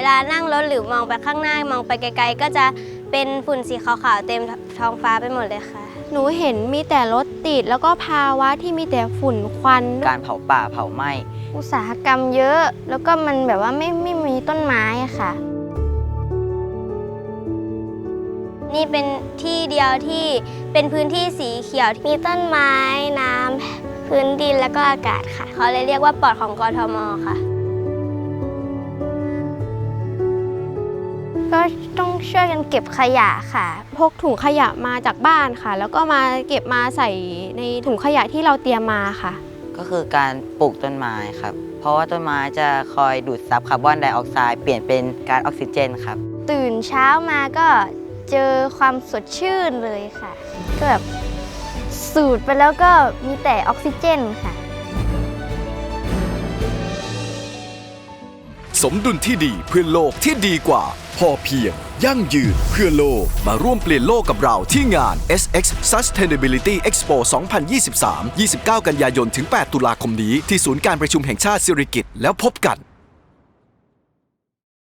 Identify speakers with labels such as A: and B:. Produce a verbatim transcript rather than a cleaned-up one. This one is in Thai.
A: ลานั่งรถหรือมองไปข้างหน้ามองไปไกลๆก็จะเป็นฝุ่นสีขาวๆเต็มท้องฟ้าไปหมดเลยค่ะ
B: หนูเห็นมีแต่รถติดแล้วก็ภาวะที่มีแต่ฝุ่นควัน
C: การเผาป่าเผาไหม้
B: อุตสาหกรรมเยอะแล้วก็มันแบบว่าไม่ไม่มีต้นไม้อะค่ะ
A: นี่เป็นที่เดียวที่เป็นพื้นที่สีเขียวมีต้นไม้น้ำพื้นดินแล้วก็อากาศค่ะเขาเลยเรียกว่าปอดของกทม.ค่ะ
B: ก็ต้องช่วยกันเก็บขยะค่ะพกถุงขยะมาจากบ้านค่ะแล้วก็มาเก็บมาใส่ในถุงขยะที่เราเตรียมมาค่ะ
C: ก็คือการปลูกต้นไม้ครับเพราะว่าต้นไม้จะคอยดูดซับคาร์บอนไดออกไซด์เปลี่ยนเป็นก๊าซออกซิเจนครับ
B: ตื่นเช้ามาก็เจอความสดชื่นเลยค่ะก็แบบสูดไปแล้วก็มีแต่ออกซิเจนค่ะ
D: สมดุลที่ดีเพื่อโลกที่ดีกว่าพอเพียงยั่งยืนเพื่อโลกมาร่วมเปลี่ยนโลกกับเราที่งาน เอส เอ็กซ์ Sustainability Expo สองพันยี่สิบสาม ยี่สิบเก้า กันยายนถึง แปด ตุลาคมนี้ที่ศูนย์การประชุมแห่งชาติสิริกิติ์แล้วพบกัน